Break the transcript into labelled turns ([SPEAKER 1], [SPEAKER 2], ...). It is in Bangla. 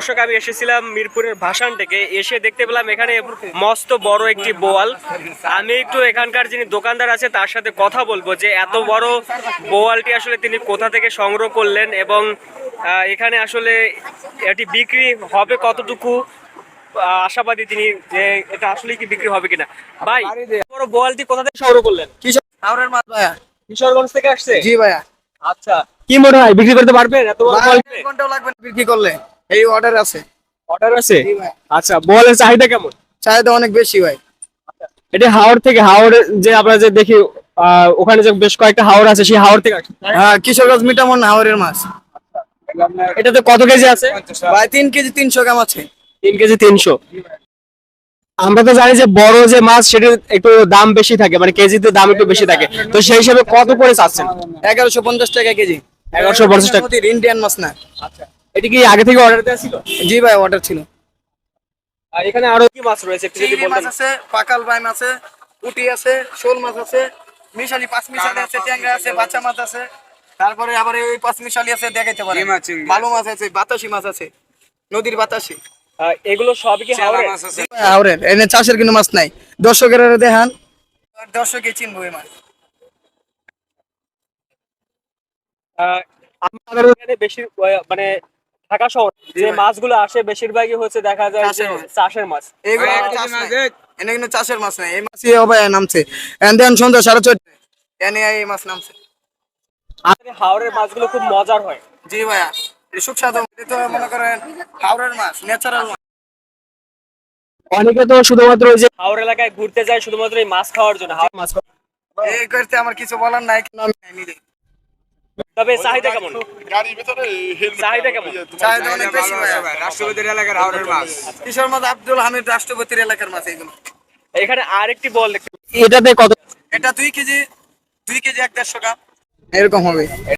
[SPEAKER 1] দর্শক আমি এসেছিলাম মিরপুরের ভাসান থেকে, এসে দেখতে পেলাম এখানে মস্ত বড় একটি বোয়াল। আমি একটু এখানকার যিনি দোকানদার আছে তার সাথে কথা বলবো যে এত বড় বোয়ালটি আসলে তিনি কোথা থেকে সংগ্রহ করলেন এবং এখানে আসলে এটি বিক্রি হবে কতটুকু আশাবাদী তিনি, যে এটা আসলে কি বিক্রি হবে কিনা। ভাই, বড় বোয়ালটি কোথা থেকে সংগ্রহ করলেন?
[SPEAKER 2] হাওড়ের মাছ ভাইয়া।
[SPEAKER 1] কিশোরগঞ্জ থেকে আসছে?
[SPEAKER 2] জি ভাইয়া।
[SPEAKER 1] আচ্ছা, কি মনে হয় বিক্রি করতে পারবেন এত বড় বোয়াল?
[SPEAKER 2] 1 ঘন্টাও লাগবে না বিক্রি করলে, এই অর্ডার আছে।
[SPEAKER 1] অর্ডার আছে?
[SPEAKER 2] জি ভাই।
[SPEAKER 1] আচ্ছা, বোয়ালের চাহিদা কেমন?
[SPEAKER 2] চাহিদা অনেক বেশি ভাই।
[SPEAKER 1] এটা হাওড় থেকে, হাওড়ে যে আমরা যে দেখি ওখানে যে বেশ কয়েকটা হাওড় আছে, সেই হাওড় থেকে আসছে।
[SPEAKER 2] হ্যাঁ, কিশোরগঞ্জ মিটামন হাওড়ের মাছ।
[SPEAKER 1] এটাতে কত কেজি আছে?
[SPEAKER 2] ভাই 3 কেজি 300 গ্রাম আছে।
[SPEAKER 1] 3 কেজি 300। আমরা তো জানি যে বড় যে মাছ সেটার একটু দাম বেশি থাকে, মানে কেজিতে দাম একটু বেশি থাকে, তো সেই হিসেবে কত করে চাচ্ছেন?
[SPEAKER 2] 1150 টাকা কেজি।
[SPEAKER 1] 1150 টাকা।
[SPEAKER 2] ইন্ডিয়ান মাছ না।
[SPEAKER 1] আচ্ছা, এটা কি আগে থেকে অর্ডার দেওয়া ছিল?
[SPEAKER 2] জি ভাই, অর্ডার ছিল।
[SPEAKER 1] আর এখানে আরো কি মাছ রয়েছে একটু যদি
[SPEAKER 2] চিংড়ি মাছ
[SPEAKER 1] বলতেন।
[SPEAKER 2] আছে, পাকাল বাইম আছে, পুঁটি আছে, শোল মাছ আছে, মিশালি পাঁচ মিশালি আছে, ট্যাংরা আছে, বাচ্চা মাছ আছে। তারপরে আবার এই পাঁচ মিশালি আছে, দেখাইতে পারে। ভালো মাছ আছে, বাতাসি মাছ আছে, নদীর বাতাসি।
[SPEAKER 1] এগুলো সবই কি হাওড়ের?
[SPEAKER 2] হাওড়ের, এনে চাষের কোনো মাছ নাই। দর্শকের দেখান, দর্শকে চিনবো এই মাছ।
[SPEAKER 1] আমাদের এখানে বেশি মানে ঢাকা শহর যে মাছগুলো আসে বেশিরভাগই হচ্ছে দেখা যায় যে চাষের মাছ।
[SPEAKER 2] এইগুলো চাষ নাই। এনে কিন্তু চাষের মাছ নাই, এই মাছই হবে নামছে। এন দেন সন্ধ্যা 4:30 এনে এই মাছ নামছে।
[SPEAKER 1] আমাদের হাওড়ের মাছগুলো খুব মজার হয়।
[SPEAKER 2] জি ভাইয়া, এই সুস্বাদু। এটা তো মনে করেন হাওড়ের মাছ, ন্যাচারাল মাছ।
[SPEAKER 1] অনেকে তো শুধুমাত্র ওই যে হাওড় এলাকায় ঘুরতে যায় শুধুমাত্র এই মাছ খাওয়ার জন্য, হাওড় মাছ খাওয়ার।
[SPEAKER 2] এই করতে আমার কিছু বলার নাই, কিন্তু আমি নিলে।
[SPEAKER 1] তবে চাহিদা কেমন? চাহিদা কেমন?
[SPEAKER 2] চাহিদা অনেক বেশি ভাইয়া। রাষ্ট্রপতির এলাকার হাওড়ের মাছ, কিশোর মাছ আব্দুল হামিদ রাষ্ট্রপতির এলাকার মাছ এগুলো।
[SPEAKER 1] এখানে আরেকটি বল দেখতে, এটাতে কত?
[SPEAKER 2] এটা 2 কেজি 150 গ্রাম এরকম হবে।